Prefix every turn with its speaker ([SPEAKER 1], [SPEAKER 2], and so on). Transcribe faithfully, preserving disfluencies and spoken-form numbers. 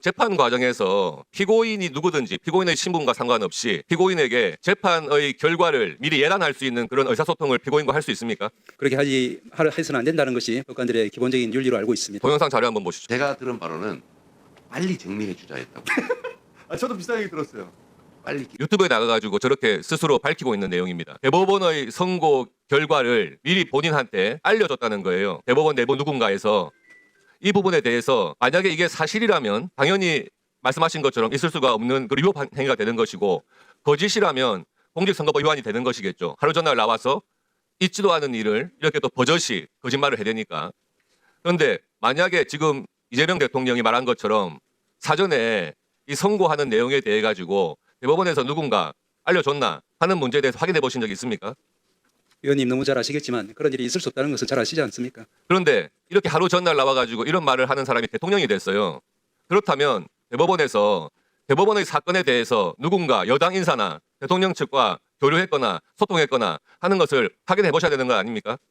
[SPEAKER 1] 재판 과정에서 피고인이 누구든지 피고인의 신분과 상관없이 피고인에게 재판의 결과를 미리 예단할 수 있는 그런 의사소통을 피고인과 할 수 있습니까?
[SPEAKER 2] 그렇게 하지 하- 해서는 안 된다는 것이 법관들의 기본적인 윤리로 알고 있습니다.
[SPEAKER 1] 동영상 자료 한번 보시죠.
[SPEAKER 3] 제가 들은 바로는 빨리 증명해 주자 했다고.
[SPEAKER 4] 아, 저도 비슷한 얘기 들었어요.
[SPEAKER 3] 빨리
[SPEAKER 1] 유튜브에 나가가지고 저렇게 스스로 밝히고 있는 내용입니다. 대법원의 선고 결과를 미리 본인한테 알려줬다는 거예요. 대법원 내부 누군가에서 이 부분에 대해서 만약에 이게 사실이라면 당연히 말씀하신 것처럼 있을 수가 없는 그 위법 행위가 되는 것이고 거짓이라면 공직선거법 위반이 되는 것이겠죠. 하루 전날 나와서 있지도 않은 일을 이렇게 또 버젓이 거짓말을 해대니까. 그런데 만약에 지금 이재명 대통령이 말한 것처럼 사전에 이 선고하는 내용에 대해 가지고 대법원에서 누군가 알려줬나 하는 문제에 대해서 확인해 보신 적이 있습니까?
[SPEAKER 2] 의원님 너무 잘 아시겠지만 그런 일이 있을 수 없다는 것을 잘 아시지 않습니까?
[SPEAKER 1] 그런데 이렇게 하루 전날 나와가지고 이런 말을 하는 사람이 대통령이 됐어요. 그렇다면 대법원에서 대법원의 사건에 대해서 누군가 여당 인사나 대통령 측과 교류했거나 소통했거나 하는 것을 확인해 보셔야 되는 거 아닙니까?